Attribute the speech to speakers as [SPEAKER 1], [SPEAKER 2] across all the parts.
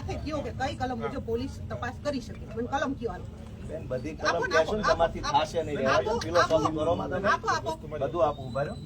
[SPEAKER 1] સાથે કયો કે કઈ કલમ મુજબ પોલીસ તપાસ કરી શકે, મને કલમ કયો હાલો.
[SPEAKER 2] બેન બધી કલમ કહેશો ને તમારથી થાશે નહીં, ફિલોસોફી કરો માં તમે બધું આપો, ઉભા રહ્યો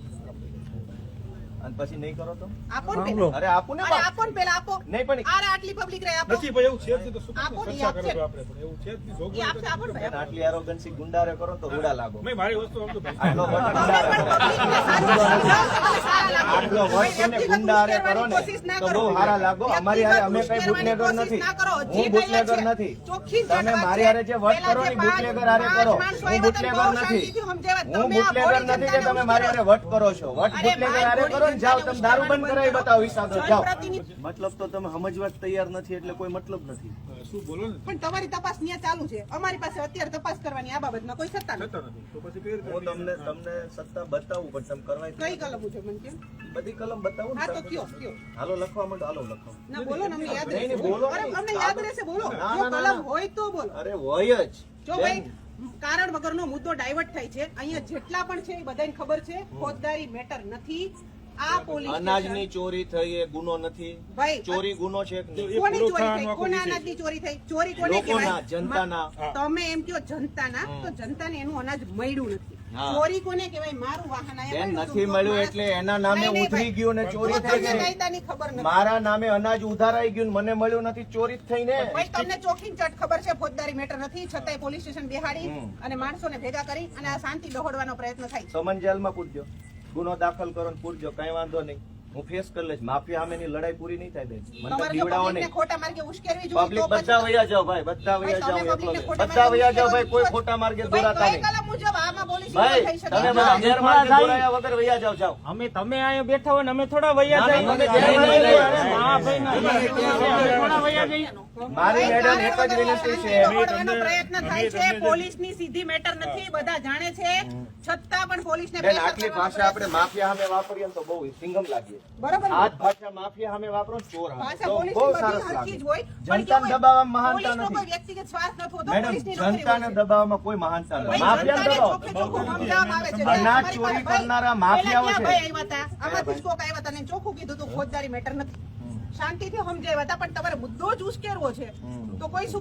[SPEAKER 2] અને પછી નહીં કરો તો
[SPEAKER 1] આપો ને પેલા.
[SPEAKER 2] અરે આપો ને,
[SPEAKER 1] અરે આપો ને પેલા આપો.
[SPEAKER 2] નહીં પણ
[SPEAKER 1] અરે આટલી પબ્લિક રે આપો.
[SPEAKER 3] નથી ભાઈ, એવું છે જ નહીં તો શું
[SPEAKER 1] આપો ને,
[SPEAKER 3] ચર્ચા
[SPEAKER 1] આપશે.
[SPEAKER 3] કરો આપણે પણ એવું છે જ નહીં.
[SPEAKER 1] ઈ
[SPEAKER 3] જોગવાઈ
[SPEAKER 1] આપશે, આપો ને ભાઈ.
[SPEAKER 2] આટલી એરોગન્સી ગુંડારે કરો તો રૂડા લાગો.
[SPEAKER 3] નહીં, મારી વસ્તુ સમજો ભાઈ.
[SPEAKER 2] આટલો વટ
[SPEAKER 1] તમે
[SPEAKER 2] ગુંડારે
[SPEAKER 1] પણ
[SPEAKER 2] કરો.
[SPEAKER 1] પબ્લિકને સારું સમજાવો તો તમે સારા લાગો.
[SPEAKER 2] આટલો વટ છે ને
[SPEAKER 1] વ્યક્તિગત
[SPEAKER 2] ગુંડારે કરો ને
[SPEAKER 1] કોશિશ ના
[SPEAKER 2] તો
[SPEAKER 1] કરો.
[SPEAKER 2] બહુ સારા લાગો. અમારી હારે અમે કઈ
[SPEAKER 1] વ્યક્તિગત
[SPEAKER 2] બુટલેગર
[SPEAKER 1] કોશિશ
[SPEAKER 2] નથી,
[SPEAKER 1] ના કરો. જે
[SPEAKER 2] હું બુટલેગર
[SPEAKER 1] કઈ છે,
[SPEAKER 2] નથી.
[SPEAKER 1] ચોખ્ખી
[SPEAKER 2] તમે
[SPEAKER 1] વાત
[SPEAKER 2] મારી
[SPEAKER 1] છે.
[SPEAKER 2] હારે જે વટ
[SPEAKER 1] પેલા
[SPEAKER 2] કરો
[SPEAKER 1] જે
[SPEAKER 2] ને બુટલેગર હારે
[SPEAKER 1] પાંચ
[SPEAKER 2] કરો.
[SPEAKER 1] માણસો
[SPEAKER 2] હું
[SPEAKER 1] આવ્યા હતા,
[SPEAKER 2] બુટલેગર
[SPEAKER 1] બહુ
[SPEAKER 2] નથી,
[SPEAKER 1] શાંતિથી સમજાવ્યા.
[SPEAKER 2] હું
[SPEAKER 1] તમે આ
[SPEAKER 2] બુટલેગર
[SPEAKER 1] બોડી
[SPEAKER 2] નથી કે તમે
[SPEAKER 1] જનતાને
[SPEAKER 2] મારી હારે વટ કરો છો. વટ
[SPEAKER 1] અરે
[SPEAKER 2] બુટલેગર હારે
[SPEAKER 1] ભાઈ,
[SPEAKER 2] કરો ને જાઓ તમે દારૂ બંધ
[SPEAKER 1] બોડી
[SPEAKER 2] કરાવી બતાવો હિસાબ જાઓ.
[SPEAKER 1] જનપ્રતિનિધિ
[SPEAKER 2] મતલબ તો તમે સમજવા જ તૈયાર નથી એટલે કોઈ મતલબ નથી.
[SPEAKER 3] શું બોલો ને,
[SPEAKER 1] પણ તમારી તપાસ ન્યા ચાલુ છે, અમારી પાસે અત્યારે તપાસ કરવાની આ બાબતમાં કોઈ સત્તા નથી.
[SPEAKER 3] થતા નથી તો પછી કઈ રીતે
[SPEAKER 2] હું તમને સત્તા બતાવું પણ તમે કરવાય
[SPEAKER 1] કઈ કલમ છે મને કેમ?
[SPEAKER 2] બધી કલમ બતાવું ને
[SPEAKER 1] હા તો
[SPEAKER 2] તમે.
[SPEAKER 1] કયો કયો.
[SPEAKER 2] હાલો લખવા માંડો, હાલો લખો.
[SPEAKER 1] ના બોલો ને, અમને યાદ
[SPEAKER 2] નહીં,
[SPEAKER 1] રહેશે.
[SPEAKER 2] નહીં, બોલો
[SPEAKER 1] અરે
[SPEAKER 2] નહીં.
[SPEAKER 1] અમને યાદ રહેશે, બોલો.
[SPEAKER 2] ના,
[SPEAKER 1] જો
[SPEAKER 2] ના, ના,
[SPEAKER 1] કલમ
[SPEAKER 2] ના.
[SPEAKER 1] હોય તો બોલો.
[SPEAKER 2] અરે હોય જ
[SPEAKER 1] જો ભાઈ કારણ વગરનો મુદ્દો ડાયવર્ટ થાય છે, અહીંયા જેટલા પણ છે એ બધાને ખબર છે, ફોજદારી મેટર નથી. આ પોલીસ
[SPEAKER 2] અનાજની ચોરી થઈ એ ગુનો નથી.
[SPEAKER 1] ભાઈ
[SPEAKER 2] ચોરી ગુનો છે કે નહીં?
[SPEAKER 1] કોની
[SPEAKER 3] પૂરો
[SPEAKER 1] ચોરી
[SPEAKER 3] થવાનો
[SPEAKER 1] થઈ?
[SPEAKER 3] આખો
[SPEAKER 1] કોના
[SPEAKER 3] વિષય.
[SPEAKER 1] અનાજની ચોરી થઈ? ચોરી કોને
[SPEAKER 2] લોકોના,
[SPEAKER 1] કહેવાય?
[SPEAKER 2] જનતાના.
[SPEAKER 1] તમે એમ કહો જનતાના, તો જનતાને એનું અનાજ મળ્યું નથી.
[SPEAKER 2] હા.
[SPEAKER 1] ચોરી કોને કહેવાય? મારું વાહન આયા
[SPEAKER 2] બેન
[SPEAKER 1] મળ્યું
[SPEAKER 2] નથી
[SPEAKER 1] હતું.
[SPEAKER 2] મળ્યું
[SPEAKER 1] માણસ-
[SPEAKER 2] એટલે એના નામે
[SPEAKER 1] નહીં, નહીં,
[SPEAKER 2] ઉતરી
[SPEAKER 1] ભાઈ.
[SPEAKER 2] ગયું ને ચોરી
[SPEAKER 1] તો
[SPEAKER 2] થઈ
[SPEAKER 1] તમને
[SPEAKER 2] ગઈ.
[SPEAKER 1] કાયદાની ખબર નથી.
[SPEAKER 2] મારા નામે અનાજ ઉધારાઈ ગયું ને મને મળ્યું નથી, ચોરી જ થઈ ને.
[SPEAKER 1] ભાઈ તમને ચોખી ચટ ખબર છે ફોજદારી મેટર નથી, છતાંય પોલીસ સ્ટેશન બેહાડી અને માણસોને ભેગા કરી અને આ શાંતિ દોહડવાનો પ્રયત્ન થાય છે.
[SPEAKER 2] સમન જેલમાં પૂરજો, ગુનો દાખલ કરો ને પૂરજો, કઈ વાંધો નહીં. હું ફેસ કરી લઈશ. માફિયા સામેની લડાઈ પૂરી નહીં થાય બેન. મને તો
[SPEAKER 1] તમારે જો
[SPEAKER 2] બીવડાવો
[SPEAKER 1] પબ્લિકને
[SPEAKER 2] નહીં.
[SPEAKER 1] ખોટા માર્ગે ઉશ્કેરવી જોઈએ
[SPEAKER 2] પબ્લિક
[SPEAKER 1] તો પછી
[SPEAKER 2] બધા વયા જાઓ ભાઈ, બધા વયા જાઓ.
[SPEAKER 1] તમે પબ્લિકને
[SPEAKER 2] એટલો
[SPEAKER 1] ખોટા
[SPEAKER 2] બધા વયા જાઓ
[SPEAKER 1] માર્ગે
[SPEAKER 2] ભાઈ, કોઈ
[SPEAKER 1] ઉશ્કેરવી
[SPEAKER 2] ખોટા માર્ગે
[SPEAKER 1] ભાઈ,
[SPEAKER 2] દોરાતા
[SPEAKER 1] કઈ
[SPEAKER 2] નહીં.
[SPEAKER 1] કલમ મુજબ આમાં પોલીસ
[SPEAKER 2] ભાઈ
[SPEAKER 1] થઈ શકે?
[SPEAKER 2] તમે બધા ગેરમાર્ગે દોરાયા વગર વયા જાઓ, જાઓ.
[SPEAKER 4] અમે તમે અહીંયા બેઠા હોય ને અમે થોડા વૈયા
[SPEAKER 2] ના,
[SPEAKER 4] જઈએ.
[SPEAKER 2] ના, તમે ગેરમાર્ગે
[SPEAKER 4] અરે
[SPEAKER 2] દોરાયા.
[SPEAKER 4] હા ભાઈ ના, અમે થોડા વૈયા જઈએ.
[SPEAKER 2] મારી
[SPEAKER 1] ભાઈ,
[SPEAKER 2] મેડમ એક જ
[SPEAKER 1] કારણ
[SPEAKER 2] વિનંતી
[SPEAKER 1] વગર
[SPEAKER 2] છે.
[SPEAKER 1] દોહડવાનો પ્રયત્ન થાય છે. પોલીસની સીધી મેટર નથી, બધા જાણે છે, છતાં પણ પોલીસને
[SPEAKER 2] બેન
[SPEAKER 1] pressure
[SPEAKER 2] આટલી
[SPEAKER 1] કરવાનો
[SPEAKER 2] ભાષા આપણે
[SPEAKER 1] પ્રયત્ન
[SPEAKER 2] માફિયા સામે વાપરીએ ને તો બહુ સિંગમ લાગીએ.
[SPEAKER 1] બરોબર ને?
[SPEAKER 2] આ જ ભાષા માફિયા સામે વાપરો ને ચોર સામે
[SPEAKER 1] ભાષા
[SPEAKER 2] તો
[SPEAKER 1] પોલીસની
[SPEAKER 2] બહુ
[SPEAKER 1] બધી
[SPEAKER 2] સરસ
[SPEAKER 1] હરખી જ
[SPEAKER 2] લાગે.
[SPEAKER 1] હોય. પણ
[SPEAKER 2] જનતાને
[SPEAKER 1] કેવું હોય,
[SPEAKER 2] દબાવવામાં મહાનતા
[SPEAKER 1] પોલીસનો કોઈ
[SPEAKER 2] નથી.
[SPEAKER 1] વ્યક્તિગત સ્વાર્થ નથી હોતો,
[SPEAKER 2] મેડમ
[SPEAKER 1] પોલીસની નોકરી
[SPEAKER 2] જનતાને
[SPEAKER 1] હોય છે.
[SPEAKER 2] દબાવવામાં કોઈ મહાનતા નથી.
[SPEAKER 1] ભાઈ,
[SPEAKER 2] માફિયાને
[SPEAKER 1] જનતાને
[SPEAKER 2] દબાવો.
[SPEAKER 1] ચોખ્ખે ચોખ્ખું સમજાવવામાં આવે છે.
[SPEAKER 2] અનાજ
[SPEAKER 1] તમારી
[SPEAKER 2] ચોરી
[SPEAKER 1] પાસે
[SPEAKER 2] કરનારા
[SPEAKER 1] ભાઈ,
[SPEAKER 2] માફિયાઓ
[SPEAKER 1] પહેલા
[SPEAKER 2] છે.
[SPEAKER 1] ક્યાં ભાઈ આવ્યા હતા? આમાંથી જ કોક આવ્યા હતા ને ચોખ્ખું કીધું હતું ફોજદારી મેટર નથી. શાંતિથી સમજાવ્યા હતા, પણ તમારે મુદ્દો જ ઉશ્કેરવો છે તો કોઈ શું